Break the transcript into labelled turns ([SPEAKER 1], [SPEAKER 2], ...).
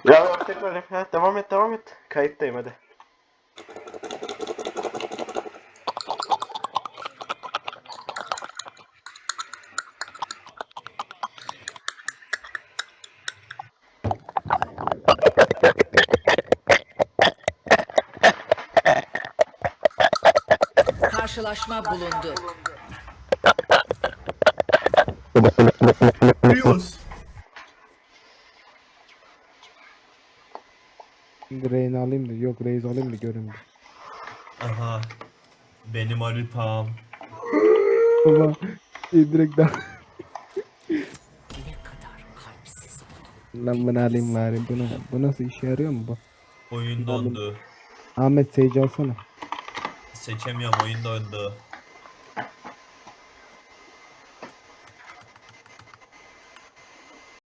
[SPEAKER 1] Ya tekrar ha, devam et devam et. Kayıttayım hadi.
[SPEAKER 2] Karşılaşma bulundu.
[SPEAKER 3] Rios.
[SPEAKER 4] Şimdi Reyna alayım da yok Reis alayım da görün bir.
[SPEAKER 3] Aha. Benim haritam.
[SPEAKER 4] Baba direkt daha.
[SPEAKER 2] Ne kadar kalpsiz.
[SPEAKER 4] Lan bunu alayım bari. Bu nasıl işe yarıyor mu bu?
[SPEAKER 3] Oyun
[SPEAKER 4] Bunu alayım.
[SPEAKER 3] dondu.
[SPEAKER 4] Ahmet Sage alsana.
[SPEAKER 3] Seçemiyorum, oyun dondu.